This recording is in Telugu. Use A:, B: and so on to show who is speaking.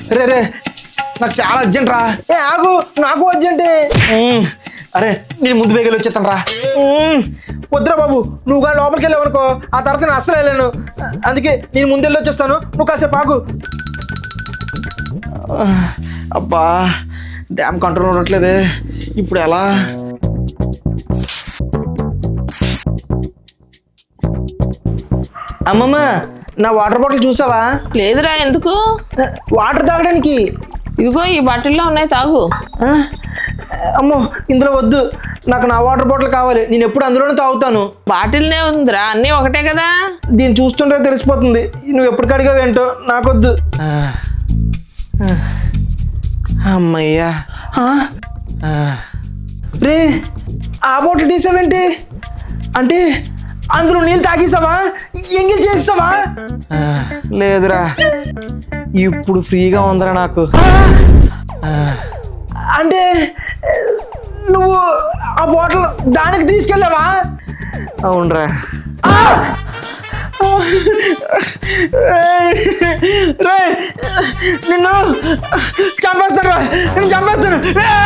A: రే రే నాకు చాలా అర్జెంట్ రా.
B: ఏ ఆగు, నాకు అర్జెంటే.
A: అరే నేను ముందు బేగలు వచ్చేస్తాను రా.
B: వద్దురా బాబు, నువ్వు కానీ లోపలికి వెళ్ళావనుకో ఆ తర్వాత నేను అస్సలు వెళ్ళాను. అందుకే నేను ముందెళ్ళి వచ్చేస్తాను, నువ్వు కాసేపు ఆగు.
A: అబ్బా డ్యామ్ కంట్రోల్ ఉండట్లేదే, ఇప్పుడు ఎలా?
B: అమ్మమ్మ, నా వాటర్ బాటిల్ చూసావా?
C: లేదురా, ఎందుకు?
B: వాటర్ తాగడానికి.
C: ఇదిగో ఈ బాటిల్లో ఉన్నాయి, తాగు.
B: ఆ? అమ్మో, ఇందులో వద్దు, నాకు నా వాటర్ బాటిల్ కావాలి. నేను ఎప్పుడు అందులోనే తాగుతాను.
C: బాటిల్నే ఉందిరా, అన్నీ ఒకటే కదా.
B: దీన్ని చూస్తుంటే తెలిసిపోతుంది నువ్వు ఎప్పుడు కడిగావు ఏంటో. నాకొద్దు.
A: అమ్మయ్యా.
B: రే, ఆ బాటిల్ తీసావేంటి? అంటే అందులో నీళ్ళు తాగేసావా? ఎంగిల్ చేసావా?
A: లేదురా, ఇప్పుడు ఫ్రీగా ఉందిరా నాకు.
B: అంటే నువ్వు ఆ బాటిల్ దానికి తీసుకెళ్ళావా?
A: అవునరా.
B: రే, నిన్ను చంపేస్తాను, నేను చంపేస్తాను.